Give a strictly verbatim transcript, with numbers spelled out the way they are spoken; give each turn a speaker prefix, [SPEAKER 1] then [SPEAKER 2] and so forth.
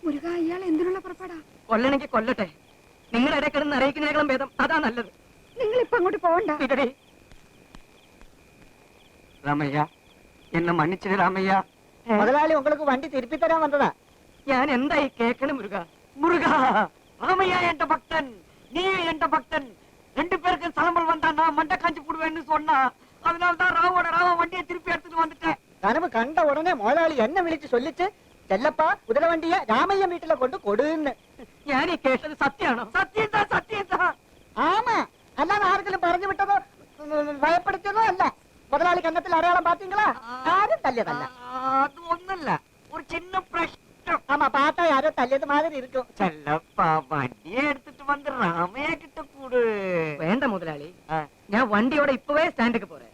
[SPEAKER 1] മുരുക ഇയാൾ എന്തിനുള്ള പുറപ്പാടാ?
[SPEAKER 2] കൊല്ലണെങ്കിൽ കൊല്ലട്ടെ, നിങ്ങളുടെ ഇടയിൽ കിടന്ന് അറിയിക്കുന്നതിനേക്കാളും ഭേദം അതാ നല്ലത്.
[SPEAKER 1] നിങ്ങൾ ഇപ്പൊ അങ്ങോട്ട് പോകണ്ട.
[SPEAKER 2] ഇതടി രാമയ്യ, എന്നെ മன்னிச்சிடு രാമയ്യ.
[SPEAKER 3] മുതലാളി உங்களுக்கு വണ്ടി തിരുപ്പി തരാൻ വന്നതാ.
[SPEAKER 2] ഞാൻ എന്തായി കേക്കണം മുരുക?
[SPEAKER 4] முருகா, ராமையா என்ற பக்தன், நீ என்ற பக்தன், ரெண்டு பேருக்கு சலம்பல் வந்தா நான் மண்டை காஞ்சி போடுவேன்னு சொன்னா, அதனாலதான் ராவோட ராவ வண்டியை திருப்பி எடுத்துட்டு வந்துட்டேன்.
[SPEAKER 3] കനവ് കണ്ട ഉടനെ മുതലാളി എന്നെ വിളിച്ച് ചൊല്ലിച്ച് ചെല്ലപ്പാ കുതിരവണ്ടിയെ രാമയ്യ വീട്ടിലെ കൊണ്ട് കൊടുന്ന്.
[SPEAKER 2] ഞാൻ ഈ കേട്ടത് സത്യമാണോ?
[SPEAKER 4] சத்தியம் தான், சத்தியம் தான்.
[SPEAKER 3] ആമാ, അല്ലാതെ ആർക്കെങ്കിലും പറഞ്ഞു വിട്ടതോ ഭയപ്പെടുത്തിയതോ അല്ല. മുതലാളി കന്നത്തിൽ അടയാളം പാത്തീங்களா? ആരും തല്ലിയതല്ല.
[SPEAKER 4] அது ஒண்ணும் இல்ல, ஒரு சின்ன பிரശ്നം.
[SPEAKER 3] ஆமா, பார்த்தா யாரோ தள்ளியது மாதிரி இருக்கும்.
[SPEAKER 4] ചെല്ലപ്പാ വണ്ടിയെ എടുത്തിട്ട് വന്ന് രാമയ്യ കിട്ട കൂട്.
[SPEAKER 2] വേണ്ട മുതലാളി, ഞാൻ വണ്ടിയോടെ ഇപ്പവേ സ്റ്റാൻഡിലേക്ക് പോറേ.